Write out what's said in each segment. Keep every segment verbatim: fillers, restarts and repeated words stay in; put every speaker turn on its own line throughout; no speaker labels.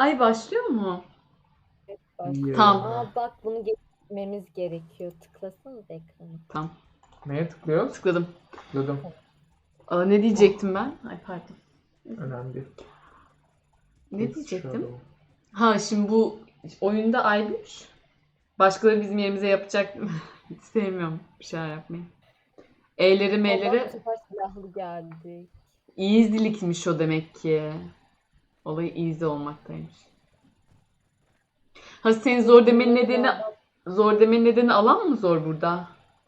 Ay başlıyor mu?
Başlıyor.
Tamam.
Aa bak bunu geçmemiz gerekiyor. Tıklasanız ekranı.
Tamam.
Neye tıklıyoruz?
Tıkladım.
Tıkladım.
Aa, ne diyecektim ben? Ay pardon.
Önemli değil.
Ne
It's
diyecektim?
shadow.
Ha şimdi bu oyunda Aybüş. Başkaları bizim yerimize yapacak. Hiç sevmiyorum bir şeyler yapmayı. E'leri
Allah
M'leri
bu sefer silahlı geldik.
easy'likmiş o demek ki. Olayı easy olmaktaymış. Ha senin zor demenin nedeni zor demenin nedeni alan mı zor burada?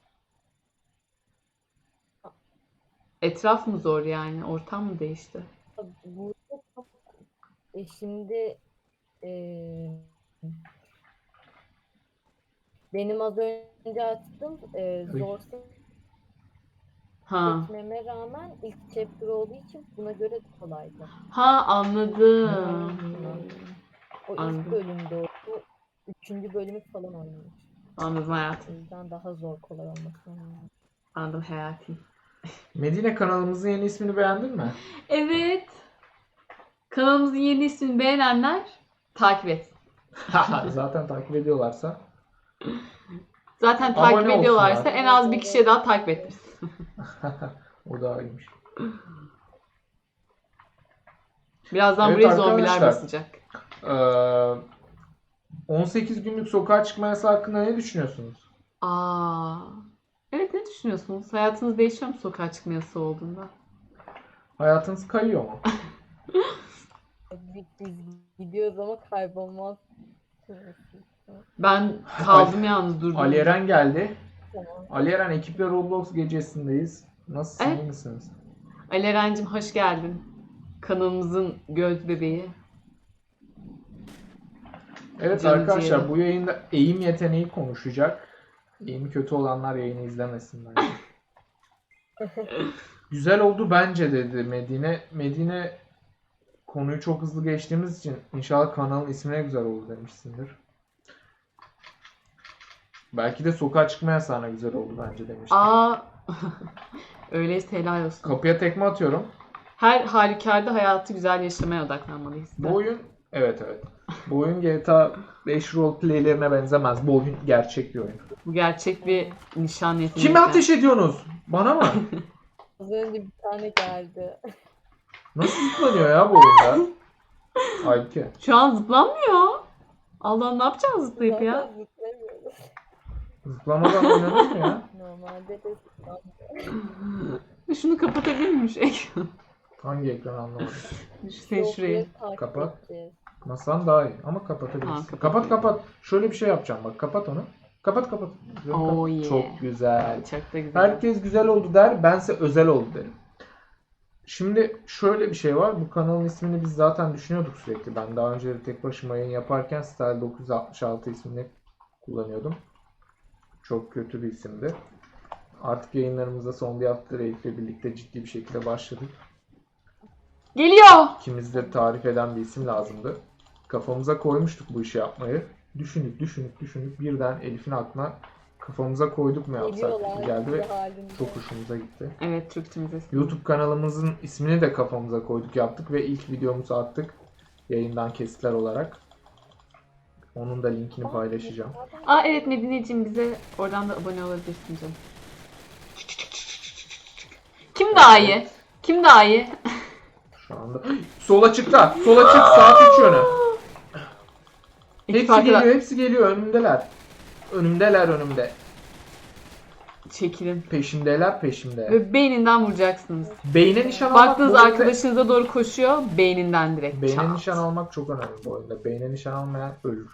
Etraf mı zor yani? Ortam mı değişti?
Burada çok... E şimdi e, benim az önce açtım e, zor
Ha.
seçmeme rağmen ilk chapter olduğu için buna göre kolaydı.
Ha anladım.
O ilk
Anladım.
bölümde oldu. Üçüncü bölümü falan oynamış.
Anladım
O
hayatım.
yüzden daha zor kolay olması lazım.
Anladım hayatım.
Medine kanalımızın yeni ismini beğendin mi?
Evet. Kanalımızın yeni ismini beğenenler takip et.
Zaten takip ediyorlarsa.
Zaten
Abone
takip ediyorlarsa
olsunlar.
en az bir kişiye daha takip ettiririz.
O da iyiymiş.
Birazdan
Evet
buraya zombiler
arkadaşlar.
basacak.
Ee, on sekiz günlük sokağa çıkma yasağı hakkında ne düşünüyorsunuz?
Aa. Evet ne düşünüyorsunuz? Hayatınız değişiyor mu sokağa çıkma yasağı olduğunda?
Hayatınız kayıyor mu?
Biz, biz gidiyoruz ama kaybolmaz.
Ben kaldım yalnız durdum.
Ali Eren geldi.
Tamam.
Ali Eren ekiple Roblox gecesindeyiz. Nasılsın,
Evet.
iyi misiniz?
Ali Eren'cim hoş geldin. Kanalımızın göz bebeği.
Evet
Canı
arkadaşlar
ciğeri.
bu yayında eğim yeteneği konuşacak. Eğimi kötü olanlar yayını izlemesinler. Güzel oldu bence dedi Medine. Medine konuyu çok hızlı geçtiğimiz için inşallah kanalın ismine güzel oldu demişsindir. Belki de sokağa çıkma yasağına güzel oldu bence demiştir.
Aa. Öyleyse helal olsun.
Kapıya tekme atıyorum.
Her halükarda hayatı güzel yaşamaya odaklanmalıyız.
Bu oyun evet evet. Bu oyun G T A beş roleplaylerine benzemez. Bu oyun gerçek bir oyun.
Bu gerçek bir nişan yeteneği.
Kime ateş ediyorsunuz? Bana mı?
Az önce bir tane geldi.
Nasıl zıplanıyor ya bu oyunda? Halbuki.
Şu an zıplanmıyor. Allah'ım ne yapacağız zıplayıp
Zaten
ya?
zıplamıyoruz.
Zıplamadan oynanır mı ya?
Normalde de zıplamıyoruz.
Şunu kapatabilir miyim şu ekranı?
Hangi ekranı anlamadım.
Sen şurayı.
Yolları takip
Kapat.
edeceğiz.
Masan daha iyi ama
Ha,
kapatabilirsin.
kapat.
kapat kapat. Şöyle bir şey yapacağım bak. Kapat onu. Kapat kapat. Yok,
Oh
kapat.
yeah.
Çok güzel.
Çok da güzel.
Herkes güzel oldu der. Bense özel oldu derim. Şimdi şöyle bir şey var. Bu kanalın ismini biz zaten düşünüyorduk sürekli. Ben daha önce de tek başıma yayın yaparken Style dokuz yüz altmış altı ismini kullanıyordum. Çok kötü bir isimdi. Artık yayınlarımıza son bir hafta Elif'le birlikte ciddi bir şekilde başladık.
Geliyor.
İkimiz de tarif eden bir isim lazımdı. Kafamıza koymuştuk bu işi yapmayı. Düşündük, düşündük, düşündük. Birden Elif'in aklına kafamıza koyduk mu yapsak
Geliyorlar
gibi geldi ve
halinde.
çok hoşumuza gitti.
Evet Türkçemize.
YouTube kanalımızın ismini de kafamıza koyduk, yaptık ve ilk videomuzu attık yayından kesitler olarak. Onun da linkini paylaşacağım.
Aa evet Medineciğim bize oradan da abone olabilirsin canım. Kim daha iyi? Kim daha iyi?
Şu anda sola çıktı. Sola çık, saat üç yönü.
İki
Hepsi
farklı-
geliyor, hepsi geliyor. Önümdeler. Önümdeler, önümde.
Çekilin.
Peşimdeler, peşimde.
Ve beyninden vuracaksınız.
Beyne nişan almak
Baktınız
bu oyunda-
arkadaşınıza doğru koşuyor, beyninden direkt
Beyne
çat.
nişan almak çok önemli bu oyunda. Beyne nişan almayan ölür.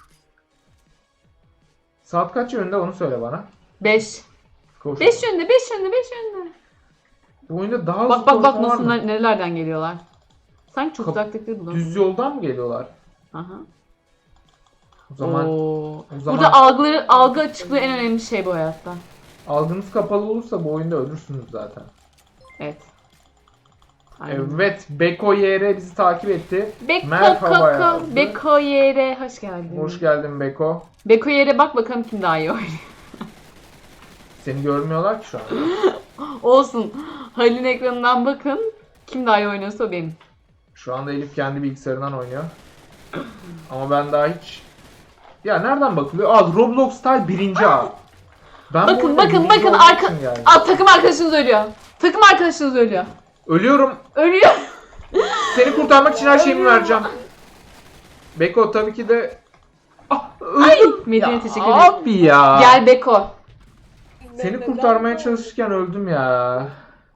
Saat kaç yönünde onu söyle bana.
Beş.
Koş.
Beş yönde, beş yönde, beş yönde.
Bu oyunda daha hızlı
Bak bak bak
koşma var
nasıl
mı?
nerelerden geliyorlar. Sanki çok
Kap-
uzaktakileri bulamıyorum.
Düz yoldan mı geliyorlar?
Aha.
O zaman
Oo.
o zaman
Burada algıları, algı açıklığı en önemli şey bu hayatta.
algınız kapalı olursa bu oyunda ölürsünüz zaten.
Evet. Aynen.
Evet, Beko Y R bizi takip etti.
Beko
Merhaba
Koko,
yazdı.
Beko Yere hoş geldin.
Hoş geldin Beko.
Beko Yere bak bakalım kim daha iyi oynuyor.
Seni görmüyorlar ki şu an.
Olsun. Halil'in ekranından bakın. Kim daha iyi oynuyorsa o benim.
Şu anda Elif kendi bilgisayarından oynuyor. Ama ben daha hiç... Ya nereden bakılıyor? Aa, Roblox Style birinci A. Ben bu
Bakın
oyunda
bakın
birinci
bakın
olmak
arka...
için geldim.
Aa, takım arkadaşınız ölüyor. Takım arkadaşınız ölüyor.
Ölüyorum.
Ölüyor.
Seni kurtarmak için her şeyimi
Ölüyorum.
vereceğim. Beko tabii ki de... Ah,
Ay,
öldüm.
Medine
Ya
teşekkür ederim.
Abi ya.
Gel Beko.
Seni
Neden
kurtarmaya
böyle?
çalışırken öldüm ya.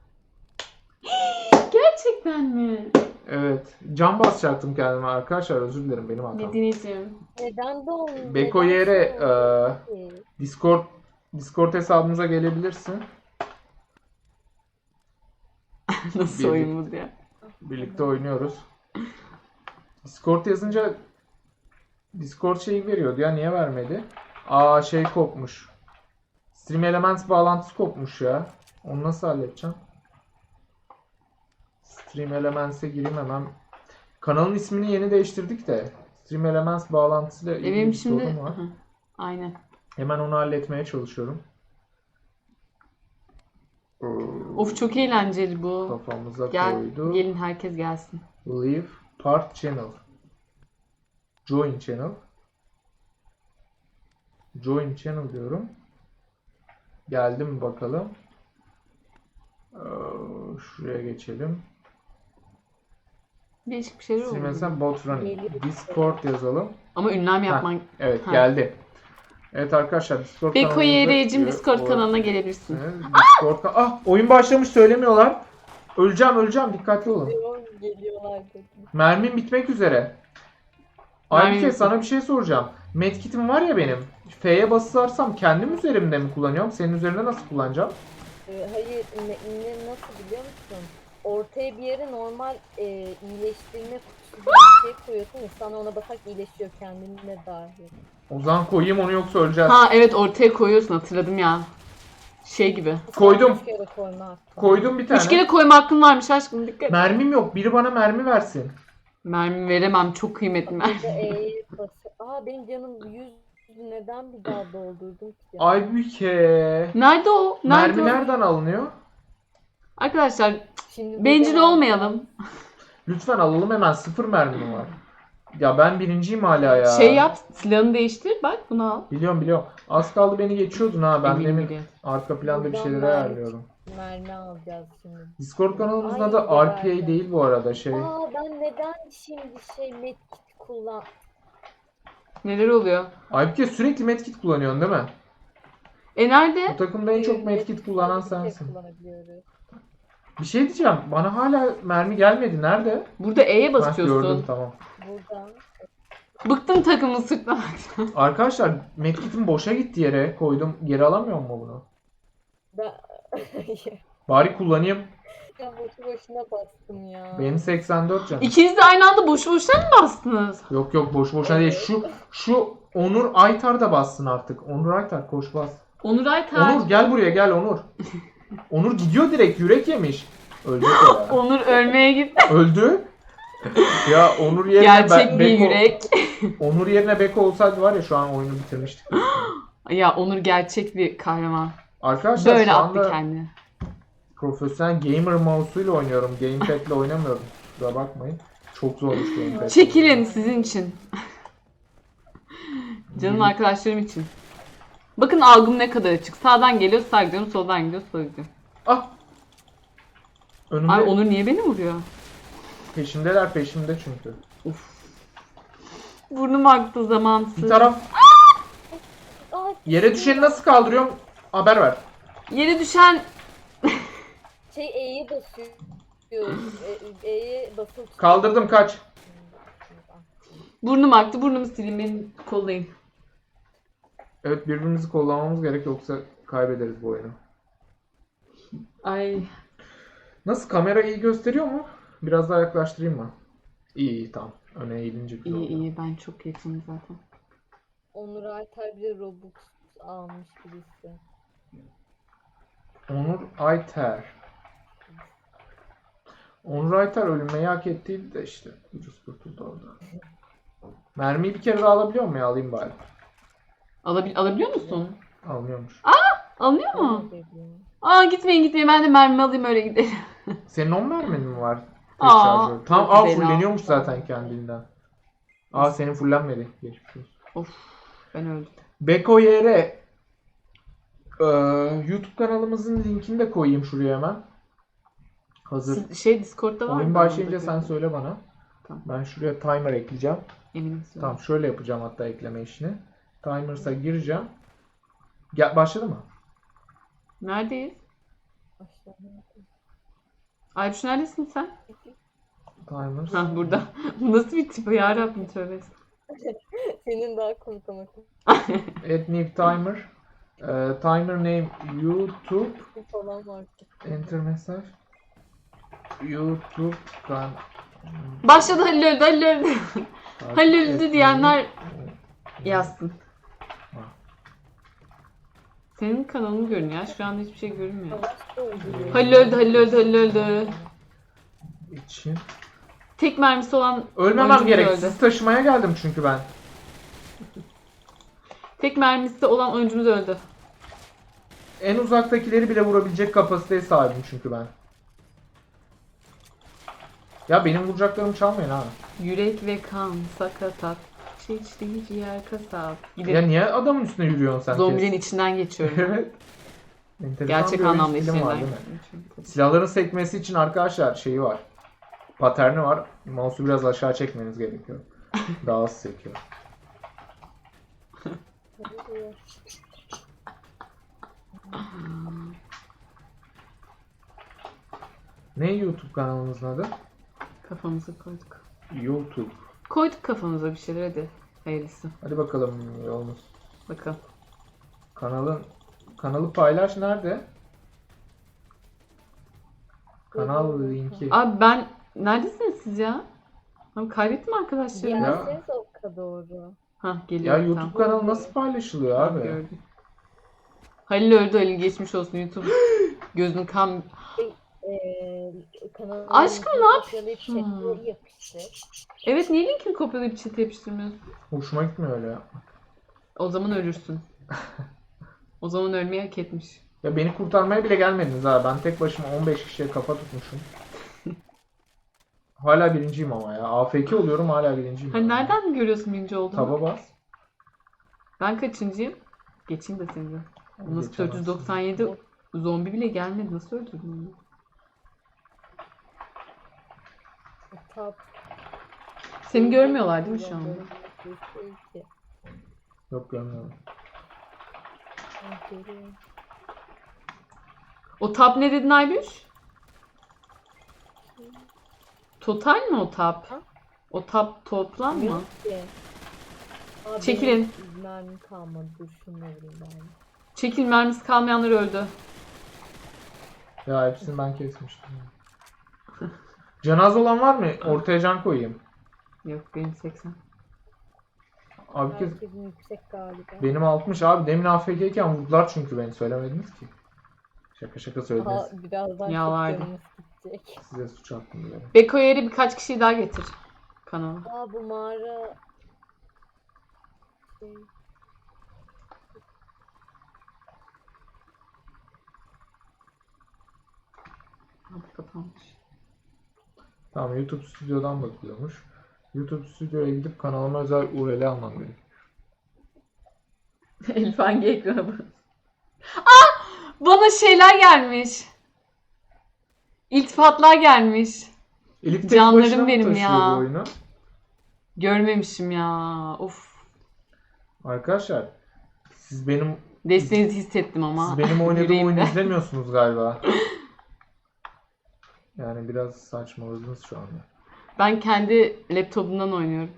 Gerçekten mi?
Evet. Can basacaktım kendime arkadaşlar. Özür dilerim, benim hatam.
Medine'ciğim.
Neden de olmuyor?
Beko
Neden
yere
şey olmuyor ki?
Discord Discord hesabımıza gelebilirsin.
Nasıl
Bir-
oyun bu diye.
Birlikte oynuyoruz. Discord yazınca Discord şeyi veriyordu ya, niye vermedi? Aa, şey kopmuş. Stream Elements bağlantısı kopmuş ya. Onu nasıl halledeceğim? Stream Elements'e gireyim hemen. Kanalın ismini yeni değiştirdik de Stream Elements bağlantısıyla ilgili
Benim
bir sorun
şimdi...
var.
Hı, aynen.
Hemen onu halletmeye çalışıyorum.
Of, çok eğlenceli bu.
Kafamıza
Gel,
koydu.
gelin herkes gelsin.
Leave part channel. Join channel. Join channel diyorum. Geldi mi bakalım. Ee, Şuraya geçelim.
Değişik bir şeyler
Şimdi
oldu.
mesela bot running.
Geliyor.
Discord yazalım.
Ama ünlem yapman...
Evet,
Ha.
geldi. Evet arkadaşlar, Discord
Beko
kanalımıza-
Yere'cim Discord
O-
kanalına gelebilirsin.
Evet, Discord kan- Ah, oyun başlamış, söylemiyorlar. Öleceğim öleceğim, dikkatli olun.
Geliyor, Geliyorlar dedi.
Mermim bitmek üzere.
Mermim
Aybüke,
bitmek-
sana bir şey soracağım. Medkit'im var ya benim. F'ye basılarsam kendim üzerimde mi kullanıyorum? Senin üzerinde nasıl kullanacağım?
Ee, Hayır, ne, ne- nasıl biliyor musun? Ortaya bir yere normal e, iyileştirme kutusu gibi bir şey koyuyorsun ya, sana ona basak iyileşiyor kendine dahil.
O zaman koyayım onu, yoksa öleceğiz.
Ha evet, ortaya koyuyorsun, hatırladım ya. Şey gibi.
Koydum.
Üç kere koyma hakkı.
Koydum bir tane.
Üç kere koyma hakkın varmış aşkım, dikkat.
Mermim yok. Biri bana mermi versin.
Mermi veremem, çok kıymetli mermi.
Bir de E'ye basıyor. Aa, benim canım yüz, neden bir daha doldurdum ki?
Aybüke.
Nerede o? Nerede
Mermi
o?
nereden alınıyor?
Arkadaşlar
Şimdi
bencil
burada-
olmayalım.
Lütfen alalım hemen. Sıfır mermim var. Ya ben birinciyim hala ya.
Şey yap, silahını değiştir, bak bunu al.
Biliyorum biliyorum. Az kaldı beni geçiyordun ha. Ben
Eminim
demin
biliyorum.
arka planda bir
Buradan
şeyleri
mermi-
ayarlıyorum.
Mermi alacağız şimdi.
Discord kanalımızın
Ay,
adı R P A
güzel.
değil bu arada, şey.
Aa, ben neden şimdi şey medkit kullan...
Neler oluyor?
Aybüke, sürekli medkit kullanıyorsun değil mi?
E nerede?
Bu takımda en çok medkit
Medkit
kullanan
sadece bir şey
sensin.
kullanabiliyoruz.
Bir şey diyeceğim. Bana hala mermi gelmedi. Nerede?
Burada E'ye
Ha,
basıyorsun.
gördüm, tamam.
Buradan.
Bıktım takımı sırtlamaktan.
Arkadaşlar, medkitim boşa gitti yere. Koydum. Geri alamıyor mu bunu?
Ben...
Bari kullanayım.
ya boşu boşuna bastım ya.
Benim seksen dört canım.
İkiniz de aynı anda boşu boşuna mı bastınız?
Yok yok, boş boşuna değil. Şu şu Onur Aytar da bassın artık. Onur Aytar, koş bas.
Onur Aytar.
Onur gel buraya, gel Onur. Onur gidiyor direkt, yürek yemiş. Ölecek o ya.
Onur ölmeye gitti.
Öldü. Ya Onur yerine
Gerçek
Be-
bir
Beko,
yürek.
Onur yerine Beko olsaydı var ya, şu an oyunu bitirmiştik.
Ya Onur gerçek bir kahraman.
Arkadaşlar
Böyle
şu
attı
anda
kendini.
profesyonel gamer mouse'uyla oynuyorum. Gamepad'le oynamıyorum. Kusura bakmayın. Çok zormuş gamepad.
Çekilin sizin için. Canım arkadaşlarım için. Bakın algım ne kadar açık. Sağdan geliyor, sağa gidiyorum, soldan gidiyor, sola gidiyorum.
Ah! Önümde
Ay Onur niye beni vuruyor?
peşimdeler, peşimde çünkü.
Burnum aktı zamansız.
Bir taraf
Aa,
yere düşeni nasıl kaldırıyorum? Haber ver.
Yere düşen...
şey E'ye basıyor. E- E'ye basılı tut-
Kaldırdım, kaç.
Burnum aktı, burnumu sileyim, beni kollayın.
Evet, birbirimizi kullanmamız gerek, yoksa kaybederiz bu oyunu.
Ay.
Nasıl, kamera iyi gösteriyor mu? Biraz daha yaklaştırayım mı? İyi iyi, tamam. Öne eğilince güzel
İyi
oldu.
iyi, ben çok yakınım zaten.
Onur Aytar bile Robux almış birisi.
Onur Ayter. Onur Ayter ölmeyi hak ettiydi de işte. Ucuz kurtuldu orada. Mermiyi bir kere daha alabiliyor mu ya? Alayım bari.
Alabil alabiliyor musun?
Almıyormuş.
Alınıyor mu?
Ne dedi?
Aa gitmeyin gitmeyin, ben de mermi alayım öyle gidelim.
Senin on mermin mi var? Tek
Aa,
şarjör. Tam
çok
aa
güzel
fulleniyormuş
aldım.
zaten kendinden. Aa senin fullenmedi. Geçmiş olsun.
Of ben öldüm.
Beko yere e, YouTube kanalımızın linkini de koyayım şuraya hemen. Hazır.
Siz- Şey Discord'da var mı?
Oyun
Ben
başlayınca
orada
sen
gördüm.
söyle bana.
Tamam.
Ben şuraya timer ekleyeceğim.
Eminim söyle.
Tamam şöyle yapacağım hatta ekleme işini. Timers'a gireceğim. Gel, başladı mı?
Neredeyiz?
Başladım.
Aybuş neredesin sen?
Timers.
Ha burada. Nasıl bir tip ya Rabbim tövbe.
Senin daha komik ama
Add new timer. Ee, timer name YouTube.
falan var.
Enter mesaj. YouTube kan.
Başladı Halil öldü Halil öldü. Halil öldü diyenler yazsın.
Ha.
Senin kanalını görün ya. Şu anda hiçbir şey görünmüyor.
Savaş da oluyor.
Halil öldü Halil öldü Halil öldü.
için.
Tek mermisi olan
Ölmemem
oyuncumuz
gerek.
öldü.
Sizi taşımaya geldim çünkü ben.
Tek mermisi olan oyuncumuz öldü.
En uzaktakileri bile vurabilecek kapasiteye sahibim çünkü ben. Ya benim vuracaklarımı çalmayın ha.
Yürek ve kan, sakatat, çiçeği ciğer kasap.
Ya
Gidelim.
niye adamın üstüne yürüyorsun sen?
Zombilerin
kes?
içinden geçiyorum.
Evet. Enteresan
Gerçek
bir oyun
anlamda
stilim var,
içinden.
değil mi? Silahların sekmesi için arkadaşlar şeyi var. Paterni var. Mouse'u biraz aşağı çekmeniz gerekiyor. Daha az sekiyor. Ne YouTube kanalımızın adı?
Kafamıza koyduk.
YouTube.
Koyduk kafamıza bir şeyler hadi. Hayırlısı.
Hadi bakalım yolumuz.
Bakalım.
Kanalın kanalı paylaş nerede? Kanal linki.
Abi ben neredesiniz siz ya? Abi kaybettim arkadaşlarımı.
Ya.
Gelseniz o kadar doğru.
Ha
Ya
geliyor.
YouTube
tamam.
kanalı nasıl paylaşılıyor abi?
Gördüm. Halil öldü Halil geçmiş olsun YouTube. Gözün kan.
Ee, kanalın
Aşkım,
linkini
ne
kopyalayıp
yapıyorsun?
chat'e yapıştır.
Evet niye linkini kopyalayıp chat'e yapıştırmıyorsun?
Hoşuma gitmiyor öyle ya.
O zaman ölürsün. O zaman ölmeyi hak etmiş.
Ya beni kurtarmaya bile gelmediniz ha. Ben tek başıma on beş kişiye kafa tutmuşum. Hala birinciyim ama ya. A F K oluyorum hala birinciyim.
Hani
ya.
nereden görüyorsun birinci olduğunu?
Taba bas.
Ben kaçıncıyım? Geçeyim de seni de. Nasıl
Geçemezsin.
dört yüz doksan yedi zombi bile gelmedi. Nasıl öldürdün onu?
Tab.
Seni görmüyorlar değil mi şu anda?
Yok görmüyorum.
O tab ne dedin Aybuş? Total mi o tab?
Ha?
O tab toplam mı?
Yok ki. Aa,
Çekilin.
benim mermim kalmadı. Dur şunu vereyim ben.
Çekil mermisi kalmayanlar öldü.
Ya hepsini ben kesmiştim. Canaz olan var mı? Ortaya can koyayım.
Yok benim seksen.
Abi kes.
Herkesin yüksek galiba.
Benim altmış abi. Demin A F K'yken vurdular çünkü beni. Söylemediniz ki. Şaka şaka söylediniz.
Aha, birazdan
Ya
çok
vardı.
canımız gidecek.
Size suç attım bile.
Beko yeri birkaç kişiyi daha getir kanala.
Aa bu mağara... Şey...
Abi kapanmış.
Tamam YouTube stüdyodan bakıyormuş. YouTube stüdyoya gidip kanalıma özel U R L almam gerekiyor.
Elif hangi ekrana bak? Ah! Bana şeyler gelmiş. İltifatlar gelmiş.
Elif tek
Canlarım
başına mı
benim
taşıyor
ya.
bu oyunu?
Görmemişim ya. Of.
Arkadaşlar siz benim
Desteğinizi hissettim ama.
siz benim oynadığım
yüreğimde.
oyunu izlemiyorsunuz galiba. Yani biraz saçmaladınız şu anda.
Ben kendi laptopumdan oynuyorum.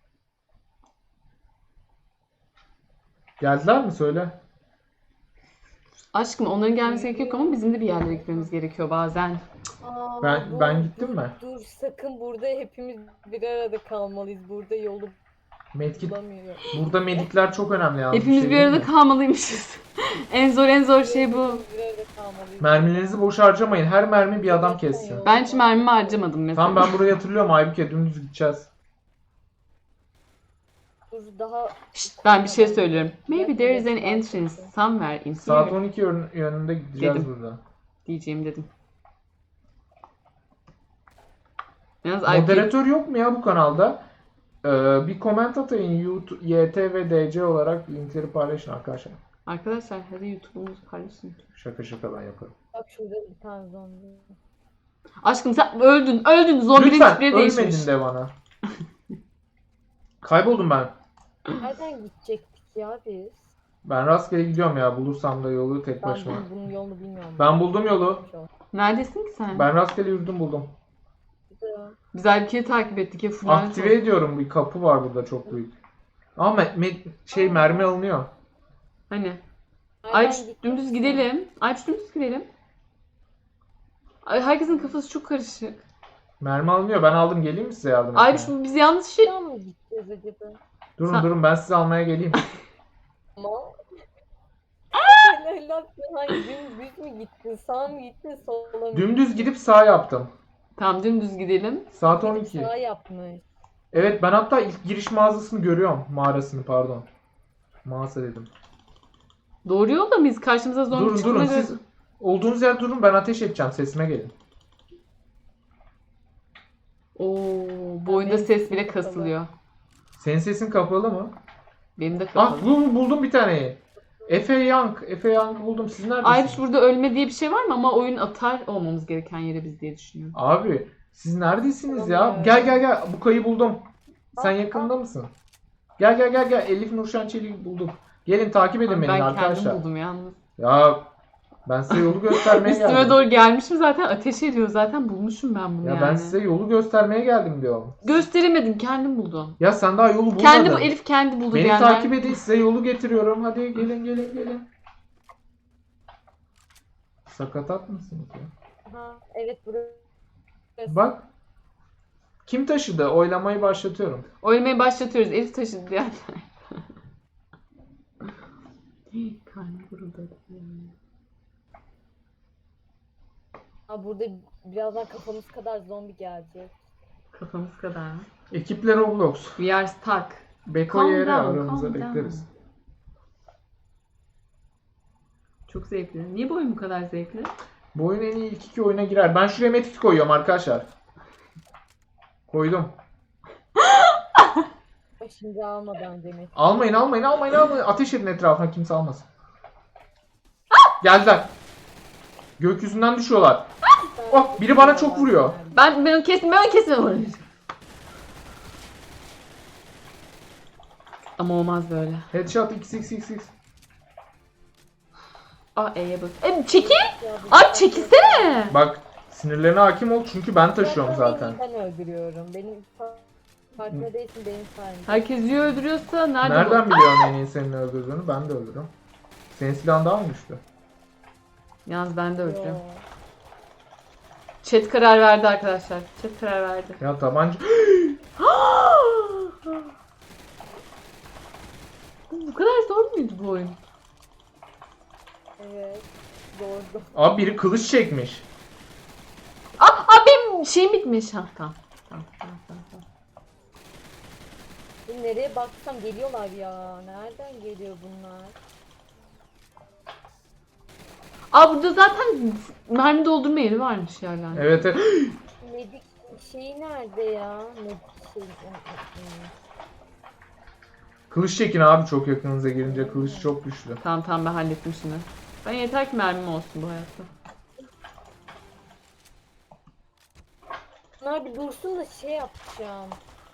Geldiler mi söyle?
Aşkım onların gelmesi gerekiyor ama bizim de bir yerlere gitmemiz gerekiyor bazen.
Aa,
Ben
bu-
ben gittim
dur,
mi?
Dur sakın burada hepimiz bir arada kalmalıyız. Burada yolu
Medkit
bulamıyorum.
burada medikler çok önemli yalnız.
Hepimiz
şey
bir
değil
arada
mi?
kalmalıymışız. En zor en zor şey bu.
Hepimiz bir arada kalmalıyız.
Mermilerinizi boş harcamayın. Her mermi bir adam kessin.
Ben hiç mermimi harcamadım mesela.
Tamam ben burayı hatırlıyorum. Aybüke dümdüz gideceğiz.
Dur daha
Şşt, ben bir şey söylüyorum. Maybe there is an entrance somewhere in
Saat
here
on iki yön- yönünde gideceğiz
Dedim.
buradan.
diyeceğim dedim. Yalnız I P
Moderatör yok mu ya bu kanalda? Ee, bir comment atayın YouTube, Y T ve D C olarak linkleri paylaşın arkadaşlar.
Arkadaşlar hadi YouTube'umuzu paylaşın.
Şaka şaka ben yaparım.
Bak şurada bir tane zombi.
Aşkım sen öldün, öldün. Zombinin
Lütfen
tipleri
ölmedin
değişmiş.
de bana. Kayboldum ben.
Nereden gidecektik ya biz?
Ben rastgele gidiyorum ya. Bulursam da yolu tek
Ben
başıma.
bunun, bunun yolunu bilmiyorum.
Ben buldum yolu.
Neredesin ki sen?
Ben rastgele yürüdüm buldum.
Güzel.
Biz Aybüke'yi takip ettik ya. Fular
Aktive ediyorum. Bir kapı var burada çok büyük. Ama me- me- şey mermi alınıyor.
Hani?
Nereden
Ayç
gittik?
dümdüz gidelim. Ayç dümdüz gidelim. Ay, herkesin kafası çok karışık.
Mermi alınıyor. Ben aldım. Geleyim mi size yardım etmeye?
Ayç bu biz yanlış şey...
Şuradan mı gideceğiz acaba?
Durun
Sen-
durun ben sizi almaya geleyim.
Ama... Helal hangi dümdüz mü gittin? Sağ mı gittin? Sola mı?
Dümdüz gidip sağ yaptım.
Tamam dümdüz gidelim.
Saat on
Gidip
iki.
Sağ yapmış.
Evet ben hatta ilk giriş mağazasını görüyorum. Mağarasını pardon. Mağaza dedim.
Doğru yolda mıyız? Karşımıza zombi
Durun
çıktığına
durun
göre-
siz olduğunuz yerde durun ben ateş edeceğim sesime gelin.
Oo, bu oyunda
benim
ses
sesim
bile
kapalı.
kasılıyor.
Senin sesin kapalı mı?
Benim de
Ah
kapalı.
buldum, buldum bir taneyi. Efe Young. Efe Young buldum. Siz neredesiniz?
Ayç burada ölme diye bir şey var mı? Ama oyun atar olmamız gereken yere biz diye düşünüyorum.
Abi siz neredesiniz
Tamam
ya?
ya.
Gel gel gel. Bu kayı buldum. Sen
Ah,
yakında mısın? Gel gel gel gel. Elif Nurşen Çelik'i buldum. Gelin takip edin
Abi
beni
ben
arkadaşlar.
kendim buldum yalnız.
Ya ben size yolu göstermeye
Üstüme
geldim.
doğru gelmişim zaten ateş ediyor zaten bulmuşum ben bunu
Ya
yani.
ben size yolu göstermeye geldim diyorum.
Gösteremedim kendim buldum.
Ya sen daha yolu bulmadın.
Kendi bu Elif kendi buldu
Beni
diyenler.
takip edin size yolu getiriyorum. Hadi gelin gelin gelin. Sakatat mısınız ya?
Ha, evet burası.
Bak. Kim taşıdı? Oylamayı başlatıyorum.
Oylamayı başlatıyoruz. Elif taşıdı diyenler. Karnım guruldadı.
Ha, burada birazdan kafamız kadar zombi gelecek.
Kafamız kadar mı?
Ekiple Roblox.
We are stuck.
Beko
Calm
yeri
down,
aramıza
calm
bekleriz.
down. Çok zevkli. Niye bu oyun bu kadar zevkli?
Bu oyun en iyi ilk iki oyuna girer. Ben şuraya metik koyuyorum arkadaşlar. Koydum.
Şimdi almadan demek.
Almayın almayın almayın almayın. Ateş edin etrafına kimse almasın. Geldiler. Gökyüzünden düşüyorlar. Oh, biri bana çok vuruyor.
Ben ben onu kesin ben onu kesin vururum. Ama olmaz böyle.
Headshot x x x x.
Aa E'ye bak. E, çekil.
Ya, bu-
Ay çekilsene.
Bak sinirlerine hakim ol çünkü ben taşıyorum zaten.
Ben öldürüyorum. Benim fa- farkında değilsin benim sayemde.
Herkes yiyor öldürüyorsa nerede
Nereden
bu?
biliyorsun en iyi senin öldürdüğünü? Ben de öldürürüm. Senin silahın daha mı güçlü?
Yalnız ben de
Yo.
öldürüyorum. Chat karar verdi arkadaşlar. Chat karar verdi.
Ya tabanca...
Bu kadar zor muydu bu oyun?
Evet. Doğru.
Abi biri kılıç çekmiş.
Aa, aa benim şeyim bitmiş. Ha, tamam. Tamam, tamam, tamam, tamam.
Şimdi nereye baksam geliyorlar ya. Nereden geliyor bunlar?
Aa burada zaten mermi doldurma yeri varmış yerler.
Evet evet.
Medik şeyi nerede ya? Medik şey.
Kılıç çekin abi çok yakınınıza girince kılıç çok güçlü.
Tamam tamam ben hallettim şimdi. Ben yeter ki mermim olsun bu hayatta.
Bunlar bir dursun da şey yapacağım.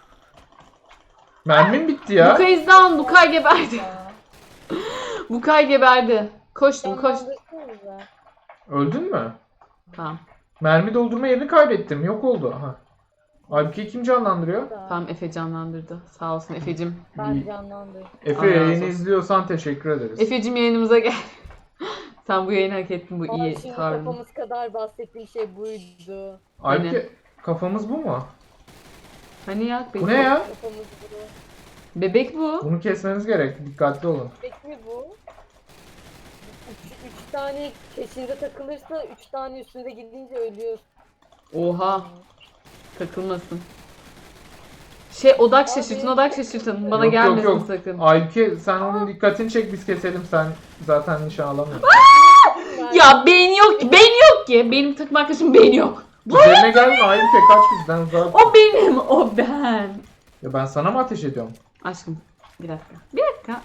Mermim bitti ya.
Bukay is down. Bukay geberdi.
Ya.
Bukay geberdi. Koştum koş.
Canlandırsanıza.
Öldün mü?
Tamam.
Mermi doldurma yerini kaybettim. Yok oldu. Aha. Halbuki kim canlandırıyor?
Tamam Efe canlandırdı. Sağ olsun Efe'cim.
Ben canlandırdım.
Efe
Allah razı
yayını
olsun.
izliyorsan teşekkür ederiz.
Efe'cim yayınımıza gel. Sen bu yayını hak ettin bu
Ama
iyi
şimdi
tavrını.
kafamız kadar bahsettiği şey buydu.
Halbuki kafamız bu mu?
Hani ya bebek.
Bu ne ya?
Kafamız bu.
Bebek bu.
Bunu kesmeniz gerek. Dikkatli olun.
Peki mi bu? Üç, üç tane peşinde takılırsa üç tane üstünde gidince ölüyor.
Oha. Takılmasın. Şey odak şaşırtın odak şaşırtın. Bana
Yok, yok,
gelmesin
yok.
sakın.
Halbuki sen onun dikkatini çek biz keselim. Sen zaten nişan alamıyorsun.
Ya beyin yok ki. Beyin yok ki. Benim takım arkadaşım beyin yok.
Üzerine gelme Halbuki kaç bizden uzak.
O benim. O ben.
Ya ben sana mı ateş ediyorum?
Aşkım bir dakika. Bir dakika.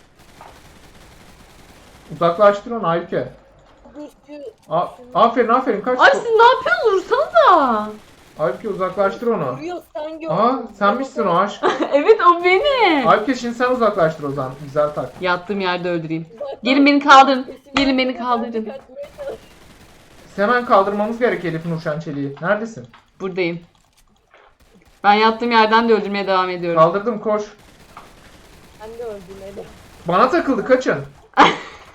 Uzaklaştır onu Aybüke.
Dur şu
A- aferin aferin kaç.
Ay siz ne yapıyorsunuz? Vursanıza.
Aybüke uzaklaştır onu.
vuruyor sen gördün.
Aa sen misin o aşk?
Evet o benim.
Aybüke şimdi sen uzaklaştır o zaman. Güzel tak.
Yattığım yerde öldüreyim.
Zaten
Gelin beni kaldırın.
peşinden
Gelin beni
gidiyor,
kaldırın.
ben de kaçmaya çalışıyorum.
Hemen kaldırmamız gerek Elif Nurşen Çelik'i. Neredesin?
Buradayım. Ben yattığım yerden de öldürmeye devam ediyorum.
Kaldırdım koş.
Ben de öldüm Ede.
Bana takıldı kaçın.
Ay,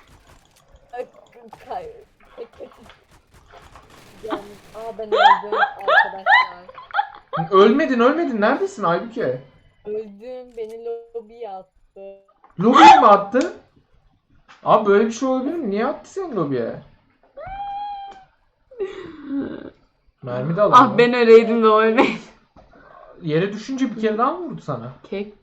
kay- kay- kaçın. Yani, aa ben öldüm arkadaşlar.
Ölmedin ölmedin. Neredesin Aybüke?
Öldüm. Beni lobiye attı.
Lobiye mi attı? Abi böyle bir şey olabilir mi? Niye attı seni lobiye? Mermi de alalım.
Ah ben öleydim de o ölmeydi.
Yere düşünce bir kere daha mı vurdu sana?
Kek.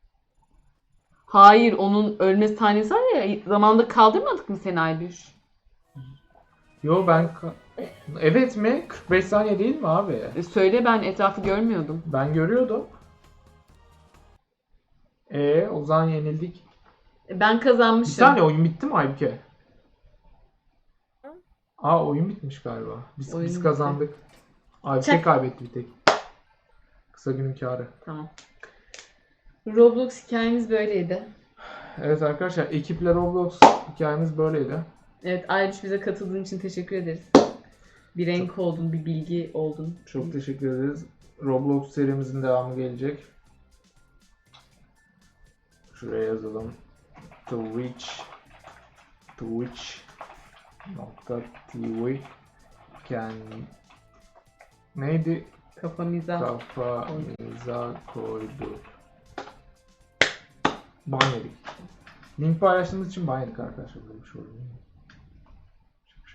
Hayır onun ölme sahnesi var ya zamanında kaldırmadık mı seni Aybüş?
Yo ben... ka- Evet mi? kırk beş saniye değil mi abi?
E, söyle ben etrafı görmüyordum.
Ben görüyordum. Ee, o zaman yenildik.
E, ben
Bir
kazanmışım.
saniye oyun bitti mi Aybüke? Aa oyun bitmiş galiba. Biz,
Oyun
biz
bitti.
kazandık. Aybüke
Çak.
kaybetti bir tek. Kısa günün kârı.
Tamam. Roblox hikayemiz böyleydi.
Evet arkadaşlar ekiple Roblox hikayemiz böyleydi.
Evet Aybüş bize katıldığın için teşekkür ederiz. Bir renk oldun, bir bilgi oldun.
Çok teşekkür ederiz. Roblox serimizin devamı gelecek. Şuraya yazalım. Twitch Twitch nokta tv Ken neydi?
Kafamıza.
Kafamıza koyduk. Ban yedik. Link paylaştığımız için ban yedik arkadaşlar. Böyle bir şey oldu.